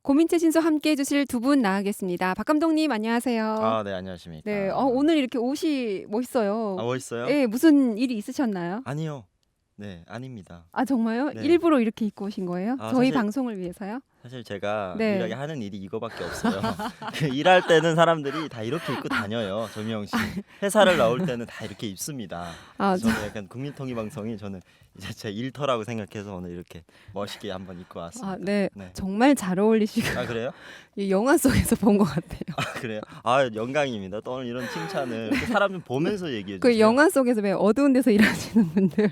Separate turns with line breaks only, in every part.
고민채 신소 함께 해주실 두 분 나가겠습니다. 박 감독님 안녕하세요.
아, 네, 안녕하십니까.
네, 오늘 이렇게 옷이 멋있어요.
아, 멋있어요?
네, 무슨 일이 있으셨나요?
아니요. 네, 아닙니다.
아 정말요?
네.
일부러 이렇게 입고 오신 거예요?
아,
저희
사실-
방송을 위해서요?
사실 제가
네.
유일하게 하는 일이 이거밖에 없어요. 그 일할 때는 사람들이 다 이렇게 입고 다녀요. 조미영 씨. 회사를 나올 때는 다 이렇게 입습니다.
아,
저는 약간 국민통일방송이 저는 이제 제 일터라고 생각해서 오늘 이렇게 멋있게 한번 입고 왔습니다.
네.
네.
정말 잘 어울리시고
아, 그래요?
이 영화 속에서 본 것 같아요.
아, 그래요? 아, 영광입니다. 또 오늘 이런 칭찬을 이렇게 사람 좀 보면서 얘기해 주세요.
그 영화 속에서 왜 어두운 데서 일하시는 분들.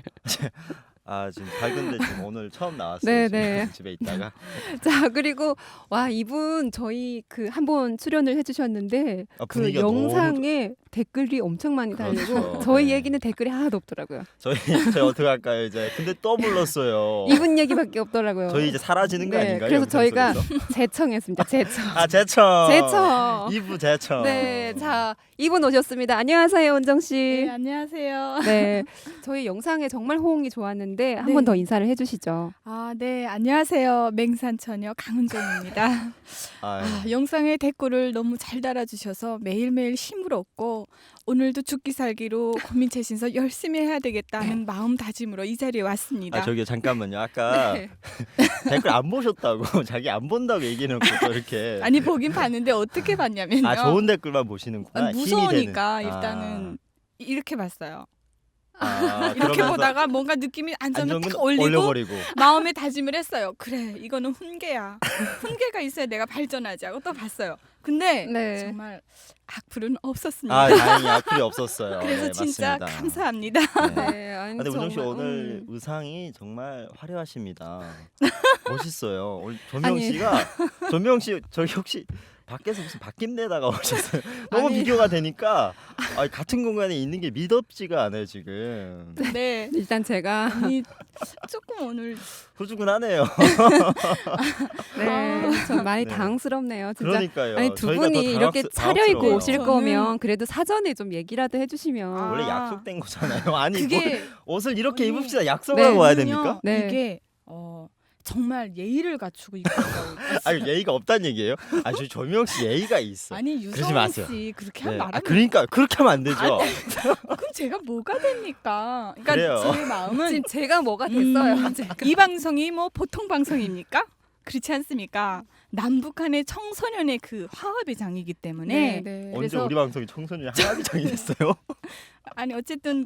아, 지금 밝은데 지금 오늘 처음 나왔어요.
네,
지금
네.
집에 있다가.
자, 그리고 와 이분 저희 그 한번 출연을 해주셨는데
아,
그
분위기가 너무
영상에 댓글이 엄청 많이 달리고
그렇죠.
저희
네.
얘기는 댓글이 하나도 없더라고요.
저희 어떻게 할까요 이제? 근데 또 불렀어요.
이분 얘기밖에 없더라고요.
저희 이제 사라지는 거
네,
아닌가요?
그래서
영상
저희가
속에서?
재청했습니다. 재청.
아, 제청.
재청.
2부 제청.
네, 자 이분 오셨습니다. 안녕하세요, 은정 씨.
네, 안녕하세요.
네, 저희 영상에 정말 호응이 좋았는데 한
네.
번 더 인사를 해주시죠.
아, 네, 안녕하세요. 맹산처녀 강은정입니다.
아,
영상에 댓글을 너무 잘 달아주셔서 매일매일 힘을 얻고 오늘도 죽기 살기로 고민채 신서 열심히 해야 되겠다는 마음다짐으로 이 자리에 왔습니다.
아, 저기요 잠깐만요. 아까
네.
댓글 안 보셨다고 자기 안 본다고 얘기해놓고 또 이렇게.
아니 보긴 봤는데 어떻게 봤냐면요.
아, 좋은 댓글만 보시는구나.
아니,
힘이
무서우니까
되는.
일단은 이렇게 봤어요.
그러면서
이렇게 보다가 뭔가 느낌이 안 좋으면
안정은
딱 올리고
올려버리고.
마음에 다짐을 했어요. 그래, 이거는 훈계야. 훈계가 있어야 내가 발전하지 하고 또 봤어요. 근데
네.
정말 악플은 없었습니다.
아, 다행히 악플이 없었어요.
그래서
네,
진짜
맞습니다.
감사합니다.
네.
네, 아니,
근데 우정 씨
정말,
오늘 의상이 정말 화려하십니다. 멋있어요. 오늘 조명
아니.
씨가 조명 씨 저기 혹시 밖에서 무슨 바뀐데다가 오셨어요. 너무
아니.
비교가 되니까 같은 공간에 있는 게 믿업지가 않아요 지금.
네.
일단 제가
아니 조금 오늘
후주근하네요.
네, 좀 많이
네.
당황스럽네요. 진짜.
그러니까요.
아니 두
저희가 더
분이 이렇게
당황스러워요.
차려입고 오실
저는-
거면 그래도 사전에 좀 얘기라도 해주시면.
아.
원래 약속된 거잖아요. 아니 뭘
그게
옷을 이렇게
아니,
입읍시다 약속을
네.
하고 와야
저는요,
됩니까?
네.
이게 정말 예의를 갖추고 입고 있다고.
아니 예의가 없다는 얘기예요? 저 조명 씨 예의가 있어.
아니
그러지
유성훈
마세요.
씨 그렇게
네.
하면 말하면
그러니까 그렇게 하면 안 되죠.
그럼 제가 뭐가 됩니까? 그러니까
그래요.
제 마음은
지금 제가 뭐가 됐어요. 제가.
이 방송이 뭐 보통 방송입니까? 그렇지 않습니까? 남북한의 청소년의 그 화합의 장이기 때문에
네.
언제
그래서-
우리 방송이 청소년 하나비장이 됐어요?
아니 어쨌든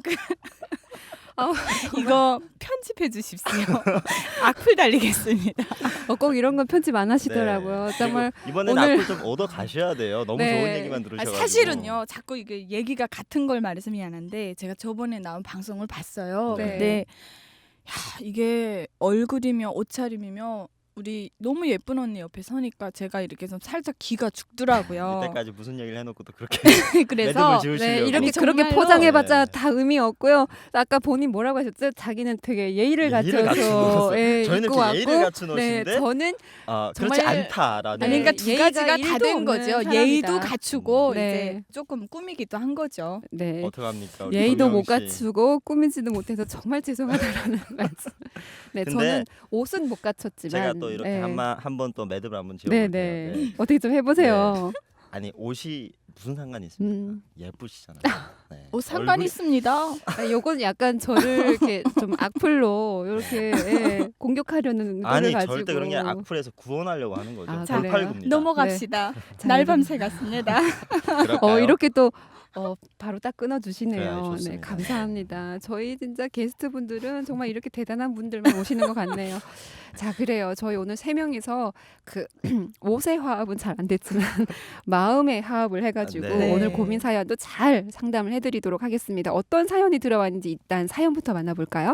아,
이거 편집해 주십시오. 악플 달리겠습니다.
꼭 이런 건 편집 안 하시더라고요.
네.
정말
그리고 이번에는
오늘-
악플 좀 얻어 가셔야 돼요. 너무
네.
좋은 얘기만
아,
들으셔가지고.
사실은요, 자꾸 이게 얘기가 같은 걸 말해서 미안한데 제가 저번에 나온 방송을 봤어요.
네.
근데 야, 이게 얼굴이며 옷차림이며 우리 너무 예쁜 언니 옆에 서니까 제가 이렇게 좀 살짝 기가 죽더라고요.
이때까지 무슨 얘기를 해놓고 또 그렇게
그래서
매듭을 지으시려고.
네, 이렇게
아니,
그렇게
정말로-
포장해봤자
네.
다 의미 없고요. 아까 본인 뭐라고 하셨죠? 자기는 되게 예의를
예의를
갖춰서
갖춘
예,
저희는
입고
지금
왔고,
예의를 갖춘
네,
옷인데
저는
그렇지
정말-
않다라는.
아니 그러니까
네,
두
예의가
가지가 다
일도
된
없는
거죠.
사람이다.
예의도 갖추고
네.
이제 조금 꾸미기도 한 거죠.
네.
어떡합니까? 우리
예의도
조명
못
씨.
갖추고 꾸미지도 못해서 정말 죄송하다라는 말씀. 네,
근데
저는 옷은 못 갖췄지만
제가 또 이렇게
네.
한번 또 매듭을 한번
네,
지어볼게요.
네.
네.
어떻게 좀 해보세요.
아니 옷이 무슨 상관이 있습니까? 예쁘시잖아요. 네.
뭐 상관
얼굴이-
있습니다.
아, 요건 약간 저를 이렇게 좀 악플로 이렇게 예, 공격하려는 의도를
아니
가지고.
절대 그런 게 아니라 악플에서 구원하려고 하는 거죠.
아,
자,
돌팔굽니다.
넘어갑시다.
자,
날밤새 같습니다.
그럴까요?
이렇게 또 바로 딱
그래,
끊어주시네요. 네,
좋습니다.
감사합니다. 저희 진짜 게스트분들은 정말 이렇게 대단한 분들만 오시는 것 같네요. 자, 그래요. 저희 오늘 세 명이서 그 옷의 화합은 잘 안 됐지만 마음의 화합을 해가지고
네.
오늘 고민 사연도 잘 상담을 해드리도록 하겠습니다. 어떤 사연이 들어왔는지 일단 사연부터 만나볼까요?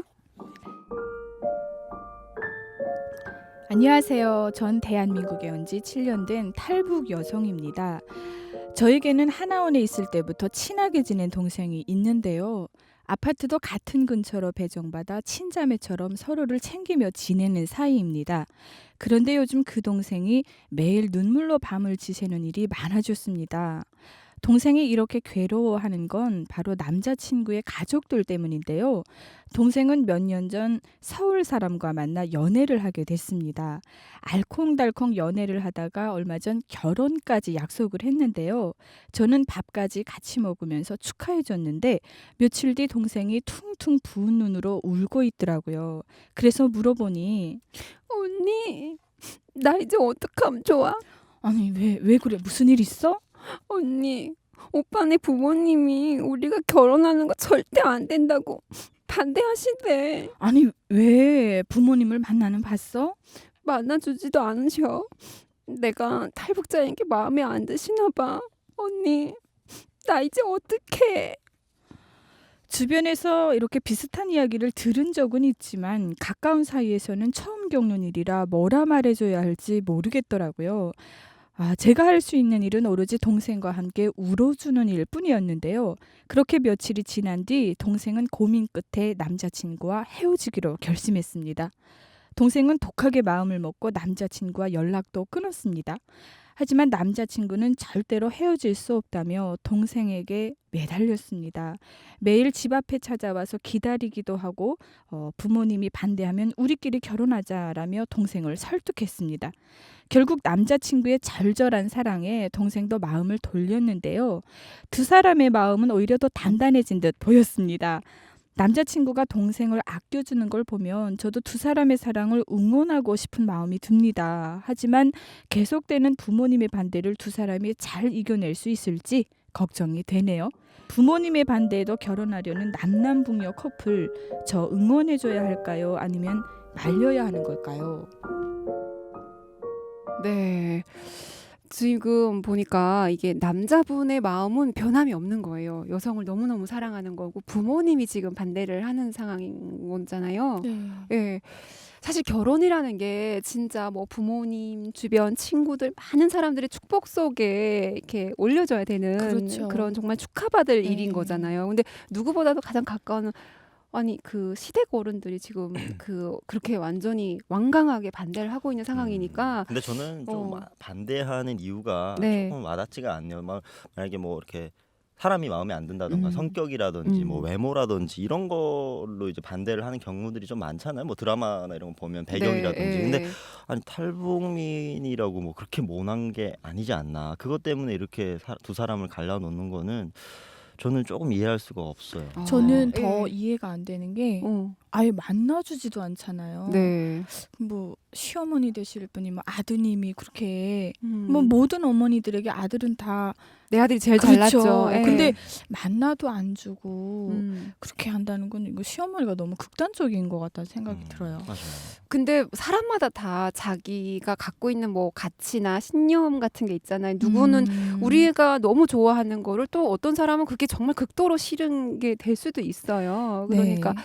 안녕하세요. 전 대한민국에 온 지 7년 된 탈북 여성입니다. 저에게는 하나원에 있을 때부터 친하게 지낸 동생이 있는데요. 아파트도 같은 근처로 배정받아 친자매처럼 서로를 챙기며 지내는 사이입니다. 그런데 요즘 그 동생이 매일 눈물로 밤을 지새는 일이 많아졌습니다. 동생이 이렇게 괴로워하는 건 바로 남자친구의 가족들 때문인데요. 동생은 몇 년 전 서울 사람과 만나 연애를 하게 됐습니다. 알콩달콩 연애를 하다가 얼마 전 결혼까지 약속을 했는데요. 저는 밥까지 같이 먹으면서 축하해줬는데 며칠 뒤 동생이 퉁퉁 부은 눈으로 울고 있더라고요. 그래서 물어보니
언니, 나 이제 어떡하면 좋아?
아니 왜 그래? 무슨 일 있어?
언니, 오빠네 부모님이 우리가 결혼하는 거 절대 안 된다고 반대하시대.
아니 왜 부모님을 만나는 봤어?
만나주지도 않으셔. 내가 탈북자인 게 마음에 안 드시나 봐. 언니, 나 이제 어떡해?
주변에서 이렇게 비슷한 이야기를 들은 적은 있지만 가까운 사이에서는 처음 겪는 일이라 뭐라 말해줘야 할지 모르겠더라고요. 제가 할 수 있는 일은 오로지 동생과 함께 울어주는 일뿐이었는데요. 그렇게 며칠이 지난 뒤 동생은 고민 끝에 남자친구와 헤어지기로 결심했습니다. 동생은 독하게 마음을 먹고 남자친구와 연락도 끊었습니다. 하지만 남자친구는 절대로 헤어질 수 없다며 동생에게 매달렸습니다. 매일 집 앞에 찾아와서 기다리기도 하고 부모님이 반대하면 우리끼리 결혼하자라며 동생을 설득했습니다. 결국 남자친구의 절절한 사랑에 동생도 마음을 돌렸는데요. 두 사람의 마음은 오히려 더 단단해진 듯 보였습니다. 남자친구가 동생을 아껴주는 걸 보면 저도 두 사람의 사랑을 응원하고 싶은 마음이 듭니다. 하지만 계속되는 부모님의 반대를 두 사람이 잘 이겨낼 수 있을지 걱정이 되네요. 부모님의 반대에도 결혼하려는 남남북녀 커플, 저 응원해줘야 할까요? 아니면 말려야 하는 걸까요?
네. 지금 보니까 이게 남자분의 마음은 변함이 없는 거예요. 여성을 너무너무 사랑하는 거고 부모님이 지금 반대를 하는 상황인 거잖아요. 예. 사실 결혼이라는 게 진짜 뭐 부모님, 주변 친구들 많은 사람들의 축복 속에 이렇게 올려져야 되는
그렇죠.
그런 정말 축하받을
네.
일인 거잖아요. 근데 누구보다도 가장 가까운 아니 그 시댁 어른들이 지금 그렇게 완전히 완강하게 반대를 하고 있는 상황이니까
근데 저는 좀
어.
반대하는 이유가
네.
조금 와닿지가 않네요. 만약에 뭐 이렇게 사람이 마음에 안 든다던가 성격이라든지 뭐
음.
외모라든지 이런 걸로 이제 반대를 하는 경우들이 좀 많잖아요. 뭐 드라마나 이런 거 보면 배경이라든지.
네,
근데
예.
아니 탈북민이라고 뭐 그렇게 모난 게 아니지 않나. 그것 때문에 이렇게 두 사람을 갈라놓는 거는 저는 조금 이해할 수가 없어요.
저는
예.
더 이해가 안 되는 게 아예 만나주지도 않잖아요.
네.
뭐 시어머니 되실 분이 뭐 아드님이 그렇게
음.
뭐 모든 어머니들에게 아들은 다
내 아들이 제일
그렇죠.
잘났죠. 예.
근데 만나도 안 주고
음.
그렇게 한다는 건 이거 시어머니가 너무 극단적인 것 같다는 생각이 들어요.
맞아요.
근데 사람마다 다 자기가 갖고 있는 뭐 가치나 신념 같은 게 있잖아요. 누구는 우리가 너무 좋아하는 거를 또 어떤 사람은 그게 정말 극도로 싫은 게 될 수도 있어요. 그러니까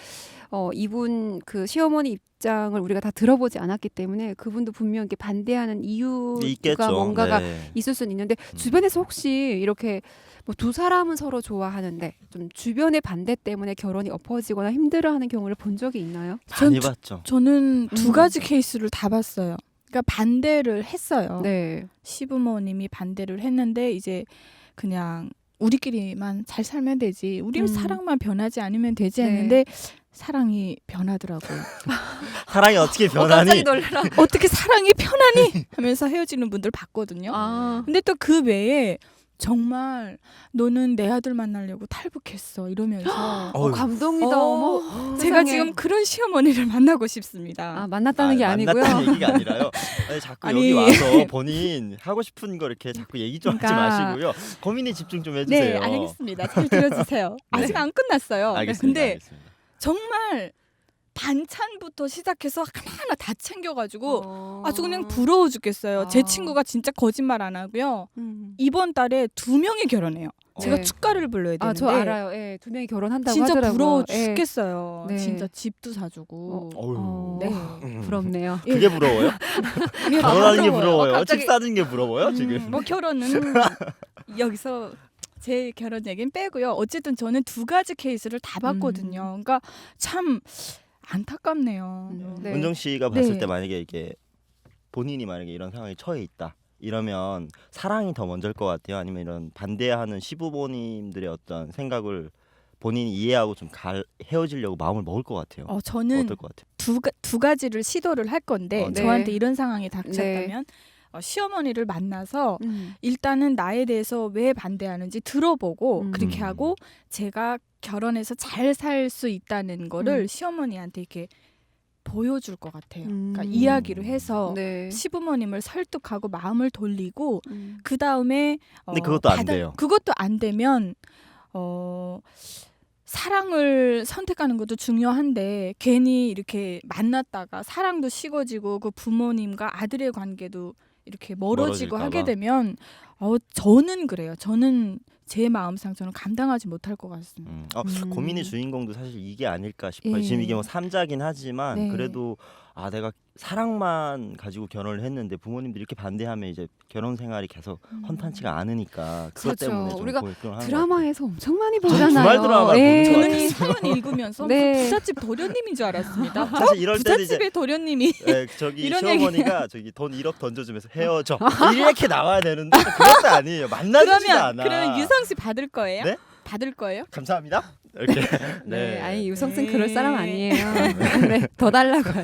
이분 그 시어머니 입장을 우리가 다 들어보지 않았기 때문에 그분도 분명 이렇게 반대하는 이유가
있겠죠.
뭔가가
네.
있을 수는 있는데 주변에서 혹시 이렇게 뭐 두 사람은 서로 좋아하는데 좀 주변의 반대 때문에 결혼이 엎어지거나 힘들어하는 경우를 본 적이 있나요?
많이 봤죠.
저는 두 가지 케이스를 다 봤어요. 그러니까 반대를 했어요.
네.
시부모님이 반대를 했는데 이제 그냥 우리끼리만 잘 살면 되지. 우리 사랑만 변하지 않으면 되지
네.
했는데 사랑이 변하더라고요.
사랑이 어떻게
깜짝이
변하니?
놀라.
어떻게 사랑이 편하니? 하면서 헤어지는 분들 봤거든요.
아.
근데 또 그 외에 정말 너는 내 아들 만나려고 탈북했어 이러면서
어휴.
감동이다. 어머.
제가
세상에.
지금 그런 시어머니를 만나고 싶습니다.
만났다는 게 아니고요.
만났다는 얘기가 아니라요. 아니, 자꾸
아니.
여기 와서 본인 하고 싶은 거 이렇게 자꾸 얘기 좀 하지
그러니까.
마시고요. 고민에 집중 좀 해주세요.
네, 알겠습니다. 잘 들어주세요. 아직 안 끝났어요.
알겠습니다.
근데
알겠습니다.
정말 반찬부터 시작해서 하나하나 다 챙겨가지고 아주 그냥
부
부러워 죽겠어요. 제
아.
친구가 진짜 거짓말 안 하고요. 이번 달에 2명이 결혼해요. 제가
네.
축가를 불러야 되는데
저 알아요. 예, 2명이 결혼한다고
진짜
하더라고요.
부러워
예.
죽겠어요.
네.
진짜 집도 사주고.
어휴.
네.
부럽네요.
그게 부러워요?
예,
결혼하는 게
부러워요.
부러워요?
갑자기-
집 사는 게 부러워요? 지금?
뭐 결혼은 여기서 제 결혼 얘기는 빼고요. 어쨌든 저는 두 가지 케이스를 다 봤거든요. 그러니까 참 안타깝네요.
네.
은정 씨가 봤을
네.
때 만약에 이게 본인이 만약에 이런 상황에 처해 있다. 이러면 사랑이 더 먼저일 것 같아요. 아니면 이런 반대하는 시부모님들의 어떤 생각을 본인이 이해하고 좀 헤어지려고 마음을 먹을 것 같아요.
저는
어떨 것 같아요?
두 가지를 시도를 할 건데
네.
저한테 이런 상황이 닥쳤다면 시어머니를 만나서 일단은 나에 대해서 왜 반대하는지 들어보고 그렇게 하고 제가 결혼해서 잘 살 수 있다는 거를 시어머니한테 이렇게 보여줄 것 같아요. 그러니까 이야기를 해서
네.
시부모님을 설득하고 마음을 돌리고 그 다음에
근데 그것도 안 돼요.
그것도 안 되면 사랑을 선택하는 것도 중요한데 괜히 이렇게 만났다가 사랑도 식어지고 그 부모님과 아들의 관계도 이렇게 멀어지고
멀어질까
하게
봐.
되면 저는 그래요. 저는 제 마음 상처는 감당하지 못할 것 같습니다.
고민의 주인공도 사실 이게 아닐까 싶어요.
예.
지금 이게 뭐 3자긴 하지만
네.
그래도 내가 사랑만 가지고 결혼을 했는데 부모님들이 이렇게 반대하면 이제 결혼 생활이 계속 헌탄치가 않으니까 그것
그렇죠.
때문에 좀
우리가
고민을 하는
드라마에서 엄청 많이
저는
보잖아요.
주말 드라마를 보는 줄
저는
알았어요.
이 사연 읽으면서
네.
무슨 부잣집 도련님인 줄 알았습니다.
사실 이럴 때는 이제
부잣집의 도련님이
저기
이런
시어머니가 저기 돈 1억 던져주면서 헤어져 이렇게 나와야 되는데 그것도 아니에요. 만나지도 않아.
그러면 유성 씨 받을 거예요?
네?
받을 거예요?
감사합니다. 이렇게
네. 아니 유성승
네.
그럴 사람 아니에요. 네. 더 달라고요.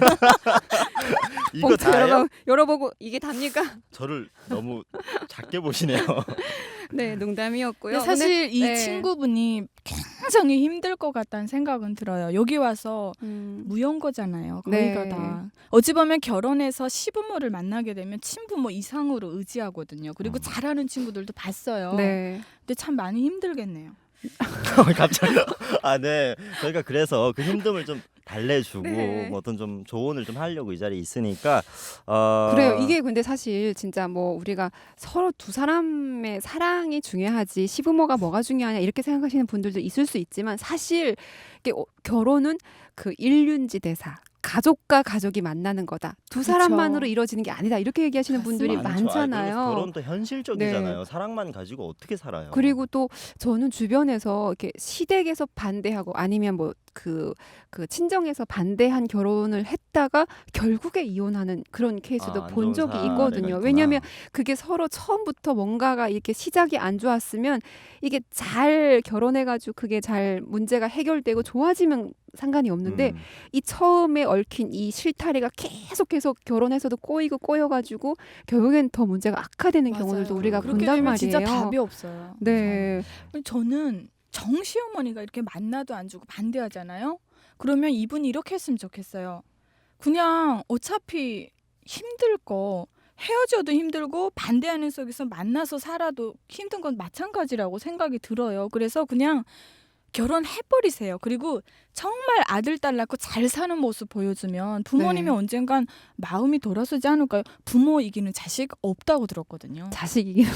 이거
봉투
다예요?
열어보고 이게 답니까?
저를 너무 작게 보시네요.
네, 농담이었고요.
근데 사실 이
네.
친구분이 굉장히 힘들 것 같다는 생각은 들어요. 여기 와서
음,
무용거잖아요.
네.
거기가 다. 어찌 보면 결혼해서 시부모를 만나게 되면 친부모 이상으로 의지하거든요. 그리고 잘하는 친구들도 봤어요.
네.
근데 참 많이 힘들겠네요.
갑자기 네. 저희가 그래서 그 힘듦을 좀 달래주고
네.
뭐 어떤 좀 조언을 좀 하려고 이 자리에 있으니까
그래요. 이게 근데 사실 진짜 뭐 우리가 서로 두 사람의 사랑이 중요하지 시부모가 뭐가 중요하냐 이렇게 생각하시는 분들도 있을 수 있지만 사실 이게 결혼은 그 일륜지대사. 가족과 가족이 만나는 거다. 두
그쵸.
사람만으로 이루어지는 게 아니다. 이렇게 얘기하시는 분들이
맞습니다.
많죠.
많잖아요.
그래서 결혼도 현실적이잖아요. 사랑만 가지고 어떻게 살아요?
그리고 또 저는 주변에서 이렇게 시댁에서 반대하고 아니면 뭐 그 친정에서 반대한 결혼을 했다가 결국에 이혼하는 그런 케이스도
안
본
좋은
적이
사례가
있거든요.
있구나.
왜냐하면 그게 서로 처음부터 뭔가가 이렇게 시작이 안 좋았으면 이게 잘 결혼해가지고 그게 잘 문제가 해결되고 좋아지면 상관이 없는데 이 처음에 얽힌 이 실타래가 계속 결혼해서도 꼬여가지고 결국엔 더 문제가 악화되는
맞아요.
경우들도 우리가
그렇게
본단
되면
말이에요.
진짜 답이 없어요.
네.
저는 정시어머니가 이렇게 만나도 안 주고 반대하잖아요. 그러면 이분이 이렇게 했으면 좋겠어요. 그냥 어차피 힘들 거 헤어져도 힘들고 반대하는 속에서 만나서 살아도 힘든 건 마찬가지라고 생각이 들어요. 그래서 그냥 결혼해버리세요. 그리고 정말 아들 딸 낳고 잘 사는 모습 보여주면 부모님이
네.
언젠간 마음이 돌아서지 않을까요? 부모 이기는 자식 없다고 들었거든요.
자식이긴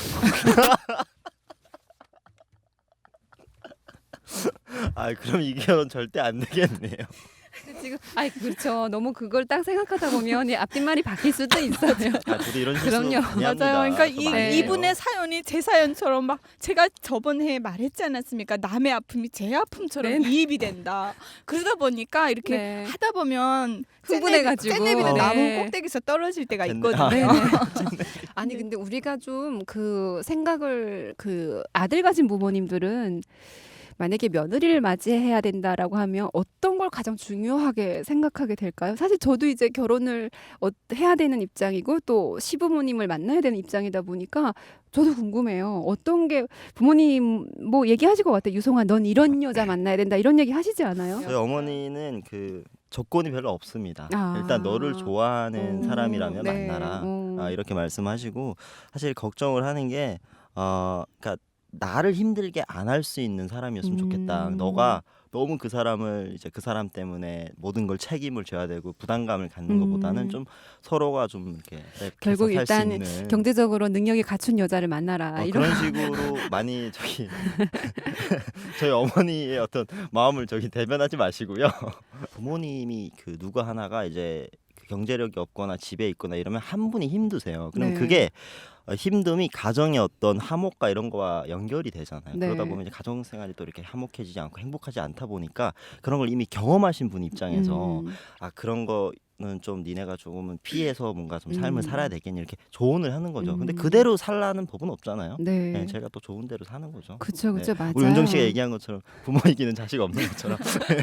그럼 이 결혼 절대 안 되겠네요.
지금 그렇죠. 너무 그걸 딱 생각하다 보면 이 앞뒷말이 바뀔 수도 있어요.
저도 이런 실수
그럼요.
많이 합니다.
맞아요. 그러니까
저 많이 해요.
이분의 사연이 제 사연처럼 막 제가 저번 해에 말했지 않았습니까? 남의 아픔이 제 아픔처럼
네네.
이입이 된다. 그러다 보니까 이렇게
네.
하다 보면
흥분해가지고.
쟤네비도
네.
나무 꼭대기에서 떨어질 때가
쟤네-
있거든요.
네네. 아니 근데 우리가 좀 그 생각을 그 아들 가진 부모님들은 만약에 며느리를 맞이해야 된다라고 하면 어떤 걸 가장 중요하게 생각하게 될까요? 사실 저도 이제 결혼을 해야 되는 입장이고 또 시부모님을 만나야 되는 입장이다 보니까 저도 궁금해요. 어떤 게 부모님 뭐 얘기하실 것 같아요. 유송아, 넌 이런 여자 만나야 된다 이런 얘기 하시지 않아요?
저희 어머니는 그 조건이 별로 없습니다.
아.
일단 너를 좋아하는 사람이라면
네.
만나라. 이렇게 말씀하시고 사실 걱정을 하는 게 그러니까 나를 힘들게 안 할 수 있는 사람이었으면 좋겠다. 너가 너무 그 사람을 이제 그 사람 때문에 모든 걸 책임을 져야 되고 부담감을 갖는 것보다는 좀 서로가 좀 이렇게
결국
랩해서 살수
일단
있는
경제적으로 능력이 갖춘 여자를 만나라. 이런
그런 식으로 많이 저희 어머니의 어떤 마음을 대변하지 마시고요. 부모님이 그 누구 하나가 이제 그 경제력이 없거나 집에 있거나 이러면 한 분이 힘드세요. 그럼
네.
그게 힘듦이 가정의 어떤 화목과 이런 거와 연결이 되잖아요.
네.
그러다 보면 이제 가정 생활이 또 이렇게 화목해지지 않고 행복하지 않다 보니까 그런 걸 이미 경험하신 분 입장에서
음.
그런 거 좀 니네가 조금은 피해서 뭔가 좀
음.
삶을 살아야 되겠니 이렇게 조언을 하는 거죠. 근데
음.
그대로 살라는 법은 없잖아요.
네.
네, 제가 또 좋은 대로 사는 거죠.
그쵸,
네.
맞아요.
우리 은정 씨가 얘기한 것처럼 부모 이기는 자식 없는 것처럼.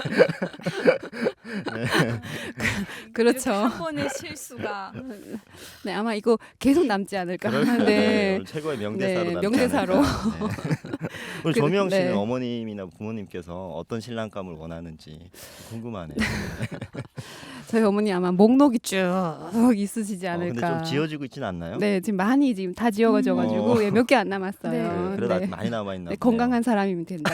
그렇죠.
이렇게 한 번의 실수가
네, 아마 이거 계속 남지 않을까.
그럴 거예요.
네.
오늘 최고의 명대사로
네,
남지
명대사로.
않을까. 네. 우리
그-
조미영 씨는
네.
어머님이나 부모님께서 어떤 신랑감을 원하는지 궁금하네요.
저희 어머니 아마 목록이 쭉 있으시지
근데
않을까.
좀 지어지고 있진 않나요?
네, 지금 많이 지금 다 지어가지고
어.
예, 몇 개 안 남았어요.
네.
그래도
네.
아직 많이 남아 있나
네,
보네요.
건강한 사람이면 된다.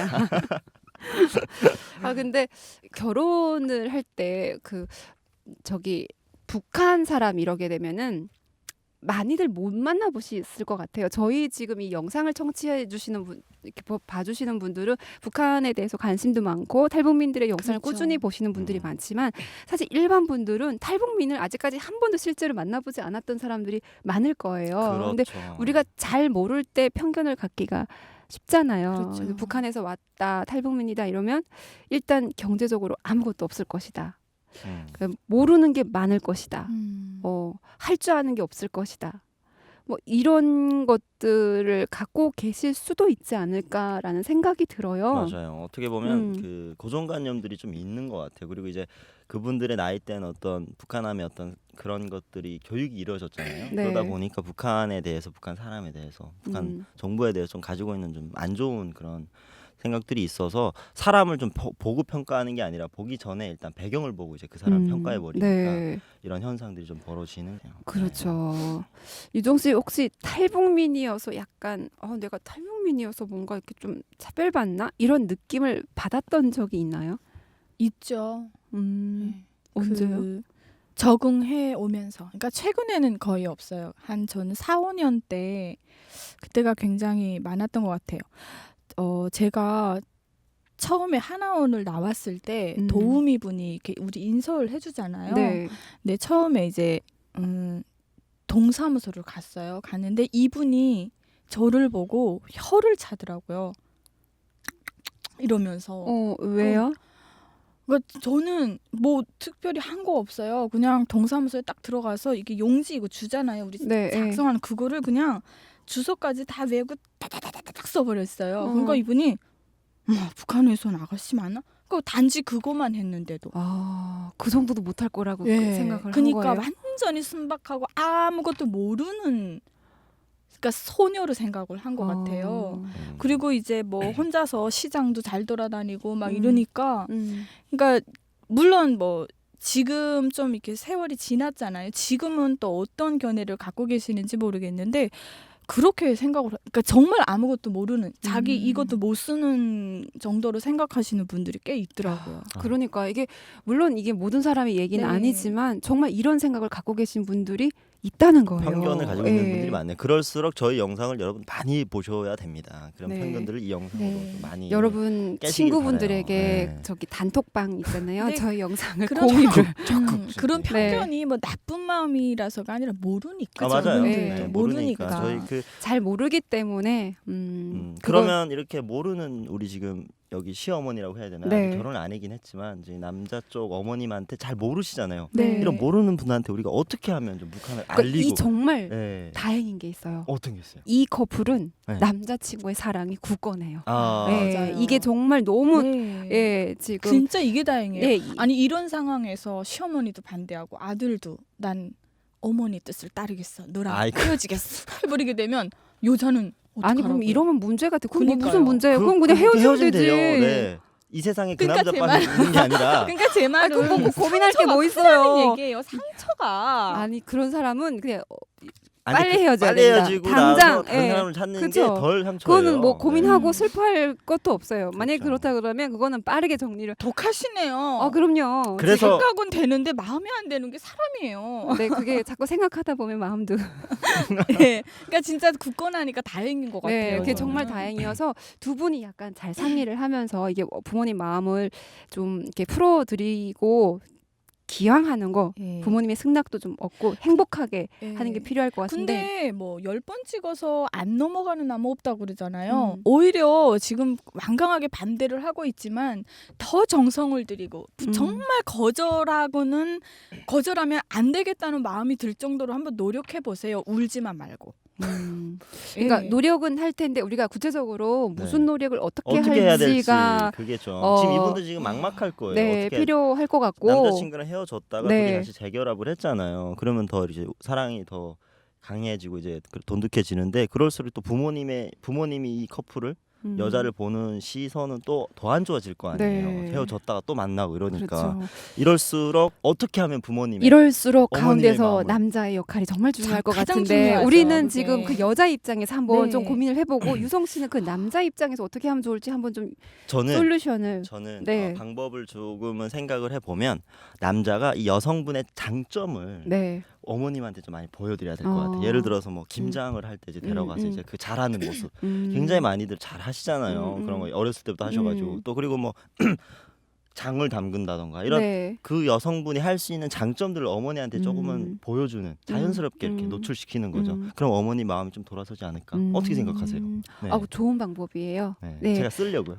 근데 결혼을 할 때 그 저기 북한 사람 이러게 되면은 많이들 못 만나보셨을 것 같아요. 저희 지금 이 영상을 청취해 주시는 분, 이렇게 봐주시는 분들은 북한에 대해서 관심도 많고 탈북민들의 영상을
그렇죠.
꾸준히 보시는 분들이
음.
많지만 사실 일반 분들은 탈북민을 아직까지 한 번도 실제로 만나보지 않았던 사람들이 많을 거예요. 근데
그렇죠.
우리가 잘 모를 때 편견을 갖기가 쉽잖아요.
그렇죠.
그래서 북한에서 왔다 탈북민이다 이러면 일단 경제적으로 아무것도 없을 것이다. 그러니까 모르는 게 많을 것이다. 할 줄 아는 게 없을 것이다. 뭐 이런 것들을 갖고 계실 수도 있지 않을까라는 생각이 들어요.
맞아요. 어떻게 보면
음.
그 고정관념들이 좀 있는 것 같아요. 그리고 이제 그분들의 나이 때는 어떤 북한함의 어떤 그런 것들이 교육이 이루어졌잖아요.
네.
그러다 보니까 북한에 대해서, 북한 사람에 대해서, 북한 정부에 대해서 좀 가지고 있는 좀 안 좋은 그런 생각들이 있어서 사람을 좀 보고 평가하는 게 아니라 보기 전에 일단 배경을 보고 이제 그 사람 평가해 버리니까
네,
이런 현상들이 좀 벌어지는 거예요.
그렇죠. 유정 씨 혹시 탈북민이어서 약간 내가 탈북민이어서 뭔가 이렇게 좀 차별받나 이런 느낌을 받았던 적이 있나요?
있죠. 네.
언제요?
그 적응해 오면서. 그러니까 최근에는 거의 없어요. 한 저는 4, 5년 때 그때가 굉장히 많았던 것 같아요. 제가 처음에 하나원을 나왔을 때 도우미 분이 이렇게 우리 인서울 해주잖아요.
네.
근데 처음에 이제 동사무소를 갔어요. 갔는데 이분이 저를 보고 혀를 차더라고요. 이러면서.
왜요?
그러니까 저는 뭐 특별히 한 거 없어요. 그냥 동사무소에 딱 들어가서 이게 용지 이거 주잖아요. 우리
네,
작성하는 그거를 그냥 주소까지 다 외우고 따다다다닥 써버렸어요.
어.
그러니까 이분이 북한에서 온 아가씨 맞나? 그 단지 그거만 했는데도.
그 정도도 못할 거라고
예.
생각을 한
그러니까
거예요.
완전히 순박하고 아무것도 모르는 그러니까 소녀로 생각을 한 것 같아요. 그리고 이제 뭐 혼자서 시장도 잘 돌아다니고 막 이러니까 그러니까 물론 뭐 지금 좀 이렇게 세월이 지났잖아요. 지금은 또 어떤 견해를 갖고 계시는지 모르겠는데 그렇게 생각을 그러니까 정말 아무것도 모르는 자기 이것도 못 쓰는 정도로 생각하시는 분들이 꽤 있더라고요.
그러니까 이게 물론 이게 모든 사람의 얘기는
네.
아니지만 정말 이런 생각을 갖고 계신 분들이 있다는 거예요.
편견을 가지고 있는
예.
분들이 많네요. 그럴수록 저희 영상을 여러분 많이 보셔야 됩니다. 그런
네.
편견들을 이 영상으로
네.
좀 많이
여러분
깨시길
친구분들에게
바라요. 네.
저기 단톡방 있잖아요.
네.
저희 영상을
그런
공유를
그런
네.
편견이 뭐 나쁜 마음이라서가 아니라 모르니까.
맞아요.
네.
네, 모르니까 저희 그
잘 모르기 때문에
그러면 이렇게 모르는 우리 지금 여기 시어머니라고 해야 되나?
네.
아직 결혼을 안 하긴 했지만 이제 남자 쪽 어머님한테 잘 모르시잖아요.
네.
이런 모르는 분한테 우리가 어떻게 하면 좀 북한을
그러니까
알리고
이 정말
네.
다행인 게 있어요.
어떤 게 있어요?
이 커플은
네.
남자친구의 사랑이 굳건해요.
맞아요.
네, 이게 정말 너무
네.
예 지금
진짜 이게 다행이에요.
예,
아니 이런 상황에서 시어머니도 반대하고 아들도 난 어머니 뜻을 따르겠어. 너랑
아이고.
헤어지겠어. 해버리게 되면 여자는
아니 그럼
어떡하라고요?
이러면 문제가 돼. 그럼 뭐
그러니까요.
무슨 문제예요? 그럼 그냥 헤어지면 되지.
돼요. 네. 이 세상에 그
그러니까
남자만 있는 게 아니라
그러니까 제 말은
그거 뭐 고민할 게
상처가
뭐
크다는
있어요.
얘기예요. 상처가.
아니 그런 사람은 그냥
아니,
빨리 헤어져야
빨리
된다.
헤어지고
당장,
나서 다른
예.
사람을 찾는
그쵸.
게 덜 상처예요.
그거는 뭐 고민하고
네.
슬퍼할 것도 없어요. 만약에
그렇죠.
그렇다 그러면 그거는 빠르게 정리를.
독하시네요.
그럼요.
그래서
생각은 되는데 마음에 안 드는 게 사람이에요.
네, 그게 자꾸 생각하다 보면 마음도.
네. 그러니까 진짜 굳건하니까 다행인 것 같아요.
네, 그게
저는.
정말 다행이어서 두 분이 약간 잘 상의를 하면서 이게 부모님 마음을 좀 이렇게 풀어드리고 기왕하는 거
예.
부모님의 승낙도 좀 얻고 행복하게
예.
하는 게 필요할 것 같은데.
근데 뭐 10번 찍어서 안 넘어가는 나무 없다고 그러잖아요.
음.
오히려 지금 완강하게 반대를 하고 있지만 더 정성을 들이고 정말 거절하면 안 되겠다는 마음이 들 정도로 한번 노력해 보세요. 울지만 말고.
그러니까
예.
노력은 할 텐데 우리가 구체적으로 무슨
네.
노력을 어떻게
어떻게 해야 될지
할지가
그게 좀
어,
지금 이분들 지금 막막할 거예요.
네,
어떻게
필요할 것 같고.
남자친구랑 헤어졌다가
네.
둘이 다시 재결합을 했잖아요. 그러면 더 이제 사랑이 더 강해지고 이제 돈독해지는데 그럴수록 또 부모님이 이 커플을 여자를 보는 시선은 또 더 안 좋아질 거 아니에요.
네.
헤어졌다가 또 만나고 이러니까
그렇죠.
이럴수록 어떻게 하면 부모님의
이럴수록
어머님의
가운데서
마음을.
남자의 역할이 정말 중요할 것
가장
같은데
중요하죠,
우리는
그게.
지금 그 여자 입장에서 한번
네.
좀 고민을 해보고 유성 씨는 그 남자 입장에서 어떻게 하면 좋을지 한번 좀
저는
솔루션을.
저는 방법을 조금은 생각을 해보면 남자가 이 여성분의 장점을
네.
어머님한테 좀 많이 보여드려야 될 것 같아요. 예를 들어서 뭐 김장을 할 때 이제 데려가서 이제 그 잘하는 모습 굉장히 많이들 잘 하시잖아요. 그런 거 어렸을 때부터 하셔가지고 또 그리고 뭐 장을 담근다던가 이런
네.
그 여성분이 할 수 있는 장점들을 어머니한테 조금은 보여주는 자연스럽게 이렇게 노출시키는 거죠. 그럼 어머니 마음이 좀 돌아서지 않을까? 어떻게 생각하세요? 네.
아, 좋은 방법이에요.
네.
네.
제가 쓰려고요.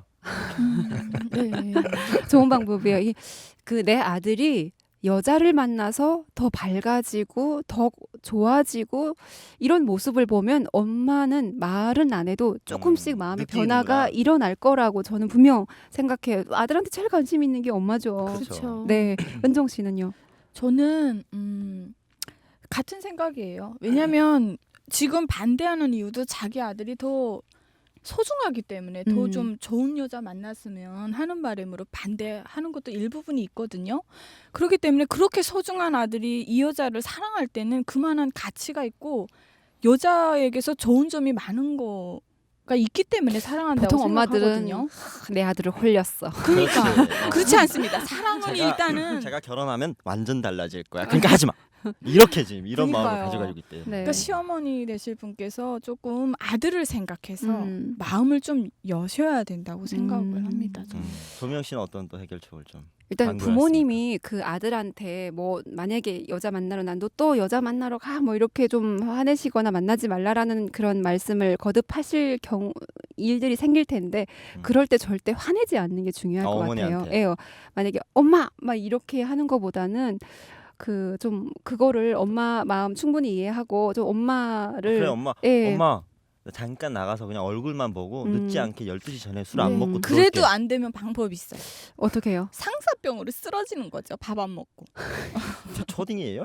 네.
좋은 방법이에요. 그 내 아들이 여자를 만나서 더 밝아지고 더 좋아지고 이런 모습을 보면 엄마는 말은 안 해도 조금씩 마음의
느끼는구나.
변화가 일어날 거라고 저는 분명 생각해요. 아들한테 제일 관심 있는 게 엄마죠.
그렇죠.
네, 은정 씨는요?
저는 같은 생각이에요. 왜냐하면 지금 반대하는 이유도 자기 아들이 더 소중하기 때문에 더 좀 좋은 여자 만났으면 하는 바람으로 반대하는 것도 일부분이 있거든요. 그렇기 때문에 그렇게 소중한 아들이 이 여자를 사랑할 때는 그만한 가치가 있고 여자에게서 좋은 점이 많은 거가 있기 때문에 사랑한다고
보통 엄마들은
생각하거든요.
내 아들을 홀렸어.
그러니까
그렇지.
그렇지 않습니다. 사랑은 일단은
제가 결혼하면 완전 달라질 거야. 그러니까 하지 마. 이렇게 지금 이런 마음을
그러니까요.
가져가지고 있대요.
네.
그러니까 시어머니 되실 분께서 조금 아들을 생각해서
음.
마음을 좀 여셔야 된다고 생각을 합니다. 저는.
조명 씨는 어떤 또 해결책을 좀
일단
강구했습니까?
부모님이 그 아들한테 뭐 만약에 여자 만나러 난 너 또 여자 만나러 가 뭐 이렇게 좀 화내시거나 만나지 말라라는 그런 말씀을 거듭하실 경우 일들이 생길 텐데 그럴 때 절대 화내지 않는 게 중요할 것
어머니한테.
같아요. 예, 만약에 엄마 막 이렇게 하는 것보다는 그 좀 그거를 엄마 마음 충분히 이해하고 좀 엄마를
그래 엄마
예.
엄마 나 잠깐 나가서 그냥 얼굴만 보고 늦지 않게 12시 전에 술 안
네.
먹고
그래도
들어올게.
안 되면 방법이 있어요.
어떻게 해요?
상사병으로 쓰러지는 거죠. 밥 안 먹고.
저 초딩이에요?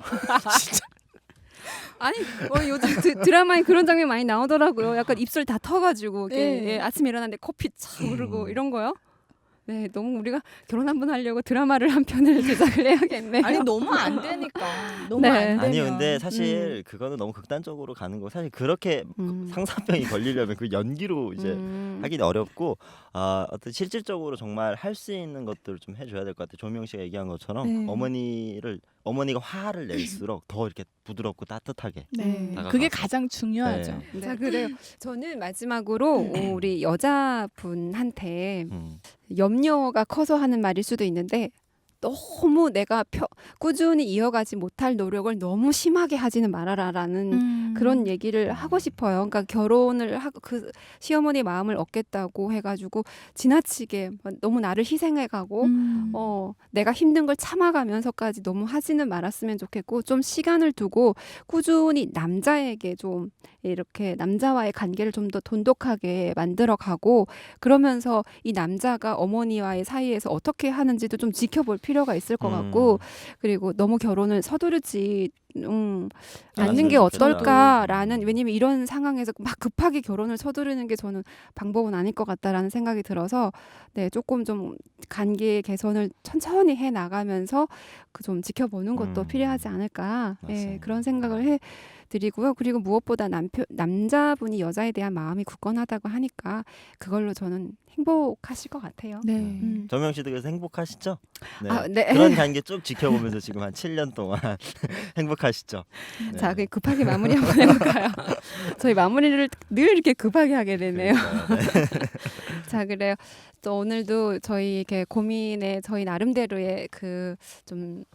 아니 요즘 드라마에 그런 장면 많이 나오더라고요. 약간 입술 다 터가지고 이렇게
네.
예, 아침에 일어났는데 코피 차 오르고 이런 거요. 네, 너무 우리가 결혼 한 번 하려고 드라마를 한 편을 제작을 해야겠네요.
아니 너무 안 되니까. 너무
네.
안 되면.
아니요 근데 사실 그거는 너무 극단적으로 가는 거 사실 그렇게 상사병이 걸리려면 그 연기로 이제 하기는 어렵고 어떤 실질적으로 정말 할 수 있는 것들을 좀 해줘야 될 것 같아요. 조명 씨가 얘기한 것처럼
네.
어머니가 화를 낼수록 더 이렇게 부드럽고 따뜻하게
네.
다가가서.
그게 가장 중요하죠.
네.
자, 그래요. 저는 마지막으로 우리 여자분한테 염려가 커서 하는 말일 수도 있는데 너무 내가 꾸준히 이어가지 못할 노력을 너무 심하게 하지는 말아라라는 그런 얘기를 하고 싶어요. 그러니까 결혼을 하고 그 시어머니 마음을 얻겠다고 해가지고 지나치게 너무 나를 희생해가고 내가 힘든 걸 참아가면서까지 너무 하지는 말았으면 좋겠고 좀 시간을 두고 꾸준히 남자에게 좀 이렇게 남자와의 관계를 좀 더 돈독하게 만들어가고 그러면서 이 남자가 어머니와의 사이에서 어떻게 하는지도 좀 지켜볼 필요가 있을 것 같고 그리고 너무 결혼을 서두르지 않는 게 어떨까라는 왜냐면 이런 상황에서 막 급하게 결혼을 서두르는 게 저는 방법은 아닐 것 같다라는 생각이 들어서 네 조금 좀 관계 개선을 천천히 해 나가면서 그 좀 지켜보는 것도 필요하지 않을까 네, 그런 생각을 해 드리고요. 그리고 무엇보다 남자분이 여자에 대한 마음이 굳건하다고 하니까 그걸로 저는 행복하실 것 같아요.
네.
조명 씨도 그래서 행복하시죠? 네.
아, 네.
그런 관계 쭉 지켜보면서 지금 한 7년 동안 행복하시죠? 네.
자, 급하게 마무리 한번 해볼까요? 저희 마무리를 늘 이렇게 급하게 하게 되네요. 자, 그래요. 또 오늘도 저희 이렇게 고민에 저희 나름대로의 그 좀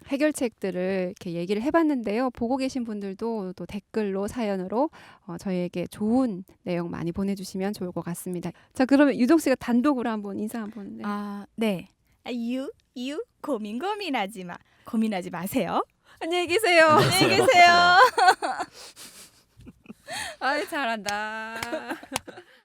해결책들을 이렇게 얘기를 해봤는데요. 보고 계신 분들도 또 댓글로 사연으로 저희에게 좋은 내용 많이 보내주시면 좋을 것 같습니다. 자, 그러면 유정 씨가 단독으로 한번 인사 한번. 네.
네. 유 고민하지 마. 고민하지 마세요.
안녕히 계세요.
안녕히 계세요.
아이 잘한다.